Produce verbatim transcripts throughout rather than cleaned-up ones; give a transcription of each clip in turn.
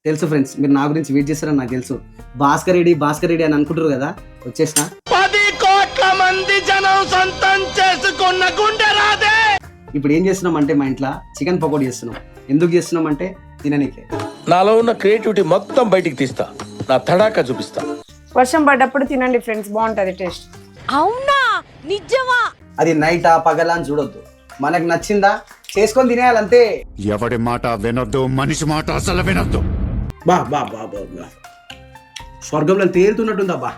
తెలుసు ఫ్రెండ్స్, మీరు నా గురించి వెయిట్ చేస్తారని నాకు తెలుసు. భాస్కర్ రెడ్డి భాస్కర్ రెడ్డి అని అనుకుంటారు కదా, వచ్చేసిన. పది కోట్ల మంది జనం సొంతం చేసుకున్న గుండె రాదే. ఇప్పుడు ఏం చేస్తున్నాం అంటే మా ఇంట్లో చికెన్ పకోడీ చేస్తున్నాం. ఎందుకు చేస్తున్నాం అంటే తిననీకే. నాలో ఉన్న క్రియేటివిటీ మొత్తం బయటికి తీస్తా, నా తడాకా చూపిస్తా. వర్షం పడ్డప్పుడు తినండి ఫ్రెండ్స్, బాగుంటది టేస్ట్. అవునా నిజమా? అది నైటా పగలా అని చూడొద్దు, మనకు నచ్చిందా చేసుకొని తినేయాలంతే. ఎవడి మాట వినొద్దు, మనిషి మాట అసలు వినొద్దు. బా బా బా బా బా స్వర్గంలో తేలుతున్నట్టుందా బా.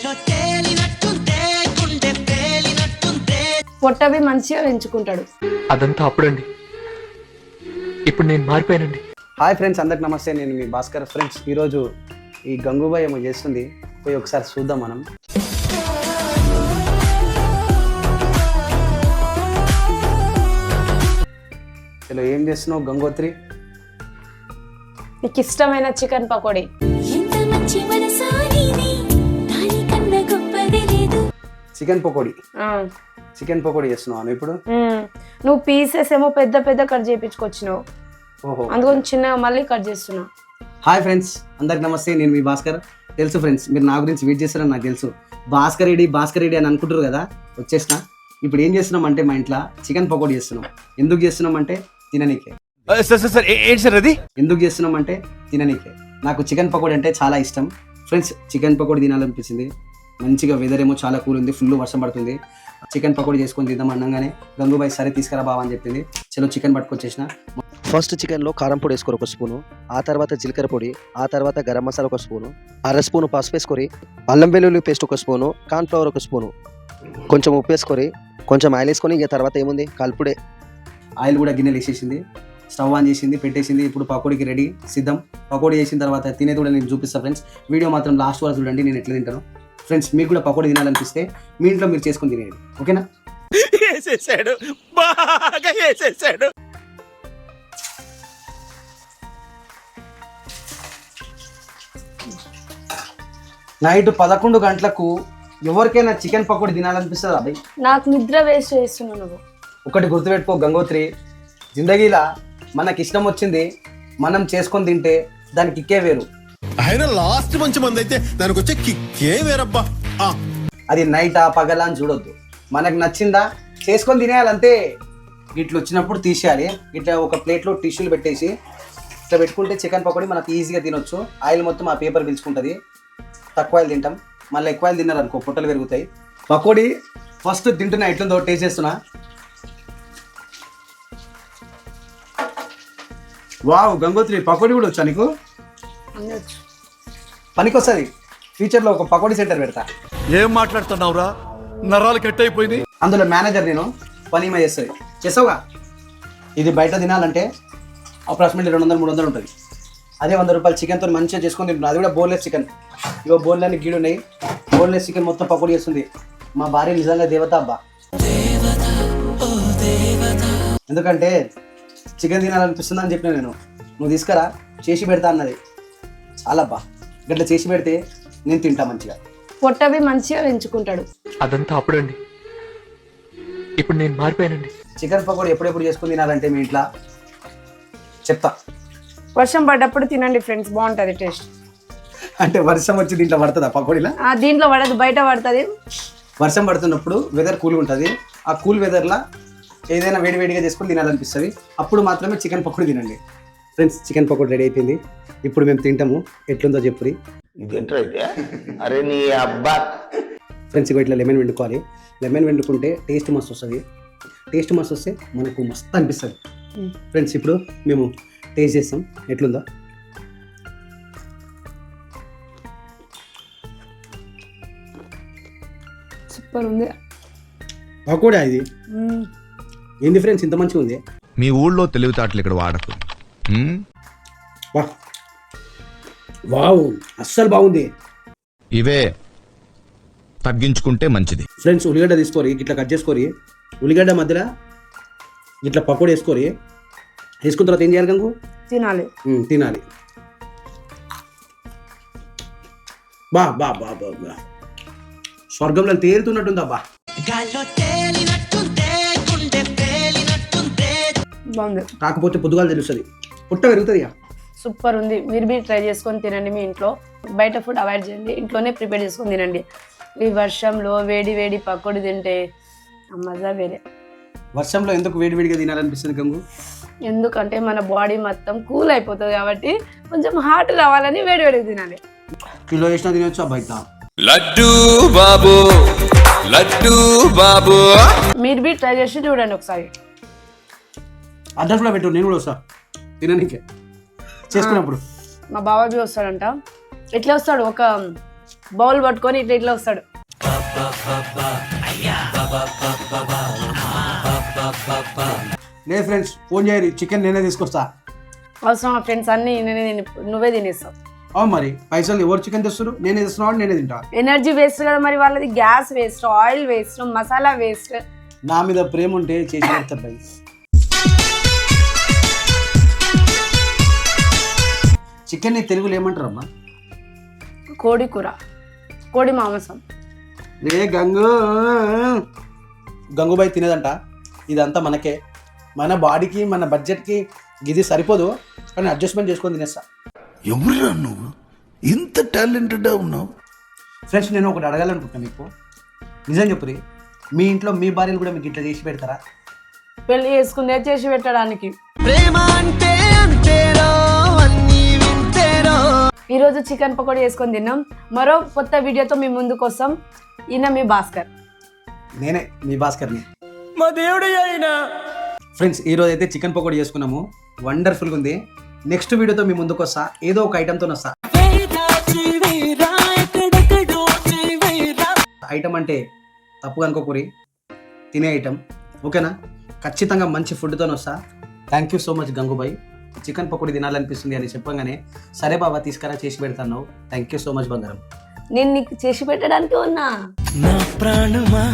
పొట్టవి మంచిగా పెంచుకుంటాడు. అదంతా అప్పుడండి, ఇప్పుడు నేను మారిపోయానండి. హాయ్ ఫ్రెండ్స్, అందరికి నమస్తే. నేను మీ భాస్కర్. ఫ్రెండ్స్, ఈరోజు ఈ గంగూబాయ్ ఏమో చేస్తుంది, పోయి ఒకసారి చూద్దాం మనం. హలో, ఏం చేస్తున్నావు గంగోత్రి? నీకు ఇష్టమైన చికెన్ పకోడీ. చికెన్ పకోడీ ఆ. చికెన్ పకోడీ చేస్తున్నావు ఇప్పుడు? మ్మ్. నువ్వు పీసెస్ ఏమో పెద్ద పెద్ద కట్ చేయించుకొచ్చినావు, ఓహో, అందుకని చిన్నగా మళ్ళీ కట్ చేస్తున్నా. హాయ్ ఫ్రెండ్స్, అందరికి నమస్తే. నేను మీ భాస్కర్. తెలుసు ఫ్రెండ్స్, మీరు నా గురించి వెయిట్ చేస్తారని నాకు తెలుసు. భాస్కర్ రెడ్డి భాస్కర్ రెడ్డి అని అనుకుంటారు కదా, వచ్చేసిన. ఇప్పుడు ఏం చేస్తున్నాం అంటే మా ఇంట్లో చికెన్ పకోడీ చేస్తున్నాం. ఎందుకు చేస్తున్నాం అంటే తిననీకే. ఎందుకు చేస్తున్నాం అంటే తిననీకే. నాకు చికెన్ పకోడీ అంటే చాలా ఇష్టం ఫ్రెండ్స్. చికెన్ పకోడీ తినాలనిపించింది. మంచిగా వెదర్ ఏమో చాలా కూల్ ఉంది, ఫుల్ వర్షం పడుతుంది. చికెన్ పకోడీ చేసుకొని తిద్దాం అనగానే గంగూబాయ్ సరే తీసుకురా బావా అని చెప్పింది. చలో చికెన్ పట్టుకొచ్చేసిన. ఫస్ట్ చికెన్లో కారం పొడి వేసుకోరు ఒక స్పూను, ఆ తర్వాత జీలకర్ర పొడి, ఆ తర్వాత గరం మసాలా ఒక స్పూను, అర స్పూను పసుపు వేసుకొని, అల్లం వెల్లుల్లి పేస్ట్ ఒక స్పూను, కార్న్ఫ్లవర్ ఒక స్పూను, కొంచెం ఉప్పు వేసుకొని, కొంచెం ఆయిల్ వేసుకొని, ఇక తర్వాత ఏముంది కలుపుడే. ఆయిల్ కూడా గిన్నెలు వేసేసింది, స్టవ్ ఆన్ చేసింది, పెట్టేసింది. ఇప్పుడు పకోడీకి రెడీ, సిద్ధం. పకోడీ చేసిన తర్వాత తినేది కూడా నేను చూపిస్తాను ఫ్రెండ్స్. వీడియో మాత్రం లాస్ట్ వరకు చూడండి, నేను ఎట్లా తింటాను. ఫ్రెండ్స్, మీకు కూడా పకోడీ తినాలనిపిస్తే మీ ఇంట్లో మీరు చేసుకొని తినేది, ఓకేనా? వేసేసాడు, బాగా వేసేసాడు. నైట్ పదకొండు గంటలకు ఎవరికైనా చికెన్ పకోడీ తినాలనిపిస్తుంది అబ్బాయి. నాకు నిద్ర వేస్ట్ చేస్తున్నావు నువ్వు. ఒకటి గుర్తుపెట్టుకో గంగోత్రి, జిందగీలా మనకి ఇష్టం వచ్చింది మనం చేసుకొని తింటే దానికి కిక్కే వేరు. ఆయన లాస్ట్ మంచి మంది అయితే దానికి వచ్చే కిక్కే వేరబ్బా. అది నైటా పగలా అని చూడొద్దు, మనకు నచ్చిందా చేసుకొని తినేయాలంతే. ఇట్లా వచ్చినప్పుడు తీసేయాలి. ఇట్లా ఒక ప్లేట్లో టిష్యూలు పెట్టేసి ఇట్లా పెట్టుకుంటే చికెన్ పకోడీ మనకు ఈజీగా తినొచ్చు. ఆయిల్ మొత్తం ఆ పేపర్ పీల్చుకుంటుంది. తక్కువ ఆయిల్ తింటాం, మళ్ళీ ఎక్కువ ఆయిల్ తిన్నారనుకో పొట్టలు పెరుగుతాయి. పకోడీ ఫస్ట్ తింటున్నా, ఎట్లుందో టేస్ట్ చేస్తున్నా. వావ్ గంగోత్రి, పకోడీ కూడా వచ్చా నీకు? పనికి వస్తుంది. ఫ్యూచర్లో ఒక పకోడీ సెంటర్ పెడతా. ఏం మాట్లాడుతున్నావురా, నరాలు కట్ అయిపోయింది. అందులో మేనేజర్ నేను, పని మా చేస్తుంది. చేసావుగా. ఇది బయట తినాలంటే అప్రాక్సిమేట్లీ రెండు వందలు మూడు వందలు ఉంటుంది. అదే వంద రూపాయలు చికెన్తో మంచిగా చేసుకొని తింటున్నాను. అది కూడా బోన్లెస్ చికెన్. ఇగో బోన్లన్నీ గీడు ఉన్నాయి. బోన్లెస్ చికెన్ మొత్తం పకోడీ చేస్తుంది. మా భార్య నిజంగా దేవత అబ్బా. ఎందుకంటే చికెన్ తినాలనిపిస్తుంది అని చెప్పిన నేను. నువ్వు తీసుకురా, చేసి పెడతా అన్నది. చాలా అబ్బా, గట్లా చేసి పెడితే నేను తింటా మంచిగా. పొట్టవి మంచిగా పెంచుకుంటాడు. అదంతా అప్పుడండి, ఇప్పుడు నేను మారిపోయానండి. చికెన్ పకోడీ ఎప్పుడెప్పుడు చేసుకుని తినాలంటే మీ ఇంట్లో చెప్తా. వర్షం పడ్డప్పుడు తినండి ఫ్రెండ్స్, బాగుంటది టేస్ట్. అంటే వర్షం వచ్చి దీంట్లో పడుతుందా పకోడీలా? ఆ దీంట్లో పడదు, బయట పడుతుంది. వర్షం పడుతున్నప్పుడు వెదర్ కూల్గా ఉంటుంది. ఆ కూల్ వెదర్లో ఏదైనా వేడివేడిగా చేసుకొని తినాలనిపిస్తుంది. అప్పుడు మాత్రమే చికెన్ పకోడీ తినండి ఫ్రెండ్స్. చికెన్ పకోడీ రెడీ అయిపోయింది. ఇప్పుడు మేము తింటాము. ఎట్లుందో చెప్పురి. అరే నీ అబ్బా ఫ్రెండ్స్, ఇగో ఇట్లా లెమన్ వండుకోవాలి. లెమన్ వండుకుంటే టేస్ట్ మస్తు వస్తుంది. టేస్ట్ మస్తు వస్తే మనకు మస్తు అనిపిస్తుంది ఫ్రెండ్స్. ఇప్పుడు మేము టేస్ట్ చేస్తాం ఎట్లుందో. సూపర్ ఉంది పకోడా ఇది. ఏంది ఫ్రెండ్స్ ఇంత మంచిగా ఉంది? మీ ఊళ్ళో తెలివితేటలు ఇక్కడ వాడకు. వా వావ్, అస్సలు బాగుంది. ఇవే తగ్గించుకుంటే మంచిది ఫ్రెండ్స్. ఉల్లిగడ్డ తీసుకోరి, ఇట్లా కట్ చేసుకోరి. ఉల్లిగడ్డ మధ్యలో ఇట్లా పకోడీ వేసుకోరి. వేసుకున్న తర్వాత ఏం చేయాలి గంగు? తినాలి. తినాలి. బా బా బా బా బా స్వర్గంలో తేలుతున్నట్టుందా బా. బాగుంది. కాకపోతే పొద్దుగాలు తెలుస్తుంది, పుట్ట పెరుగుతుంది. సూపర్ ఉంది. మీరు బీ ట్రై చేసుకొని తినండి మీ ఇంట్లో. బయట ఫుడ్ అవాయిడ్ చేయండి, ఇంట్లోనే ప్రిపేర్ చేసుకొని తినండి. ఈ వర్షంలో వేడి వేడి పకోడీ తింటే ఆ మజా వేరే. వర్షంలో ఎందుకు వేడివేడిగా తినాలనిపిస్తుంది గంగు? ఎందుకంటే మన బాడీ మొత్తం కూల్ అయిపోతుంది కాబట్టి కొంచెం హాట్ రావాలని వేడి వేడిగా తినాలి. కిలో వేసినా తినొచ్చు బయట. లడ్డు బాబు లడ్డు బాబు మీరు బీ ట్రై చేసి చూడండి ఒకసారి. అడ్రస్లో పెట్టు, నేను కూడా వస్తా తిననీకే చేసుకున్నప్పుడు. మా బావ బీ వస్తాడంట. ఇట్లా వస్తాడు, ఒక బౌల్ పట్టుకొని ఇట్లా ఇట్లా వస్తాడు. లేదు ఫ్రెండ్స్, ఫోన్ చేయరు, చికెన్ నేనే తీసుకొస్తా. అవసరం ఫ్రెండ్స్ అన్ని నేనే తిని నువ్వే తినేస్తావు. అవును మరి, పైసలు ఎవరు చికెన్ తెస్తారు? నేనే తెస్తున్నావు, నేనే తింటా. ఎనర్జీ వేస్ట్ కదా మరి వాళ్ళది. Gas waste, oil waste, masala waste. నా మీద ప్రేమ ఉంటే చేసి పెడతా భయ్. చికెన్ ని తెలుగులో ఏమంటారమ్మా? కోడి కూర, కోడి మాంసం. రే గంగు, గంగుబాయ్ తినేదంట. ఇదంతా మనకే, మన బాడీకి మన బడ్జెట్కి ఇది సరిపోదు, కానీ అడ్జస్ట్మెంట్ చేసుకొని తినేస్తా. ఎవరురా నువ్వు ఇంత టాలెంటెడ్ ఉన్నావు? ఫ్రెండ్స్, నేను ఒకటి అడగాలనుకుంటున్నాను మీకు. నిజం చెప్పురి, మీ ఇంట్లో మీ భార్యలు కూడా మీకు ఇట్లా చేసి పెడతారా? పెళ్లి చేసుకుందే చేసి పెట్టడానికి. ఈరోజు చికెన్ పకోడీ వేసుకొని తిన్నాం. మరో కొత్త వీడియోతో మీ ముందుకు వస్తాం. ఈయన మీ భాస్కర్. నేనే మీ భాస్కర్ని. మా దేవుడు అయినా ఫ్రెండ్స్, ఈరోజు అయితే చికెన్ పకోడీ చేసుకున్నాము. వండర్ఫుల్గా ఉంది. నెక్స్ట్ వీడియోతో మీ ముందుకు వస్తా, ఏదో ఒక ఐటెంతో వస్తా. ఐటమ్ అంటే తప్పుగా అనుకోకూరి, తినే ఐటమ్, ఓకేనా? ఖచ్చితంగా మంచి ఫుడ్తో వస్తా. Thank you so much Gangubai. Chicken pakodi తినాలనిపిస్తుంది అని చెప్పగానే సరే బాబా తీసుకురా, చేసి పెడతాను. థ్యాంక్ యూ సో మచ్ బంగారం. నేను నీకు చేసి పెట్టడానికి ఉన్నా. నా ప్రాణమా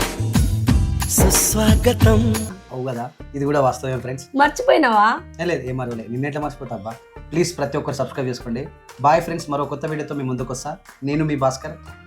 సుస్వాగతం. అవు కదా, ఇది కూడా వాస్తవమే ఫ్రెండ్స్. మర్చిపోయినావా? ఏ లేదు, ఏం మరవలే, నిన్నెట్లా మర్చిపోతా అబ్బా. ప్లీజ్ ప్రతి ఒక్కరు సబ్స్క్రైబ్ చేసుకోండి. బాయ్ ఫ్రెండ్స్, మరో కొత్త వీడియోతో మీ ముందుకు వస్తా. నేను మీ భాస్కర్.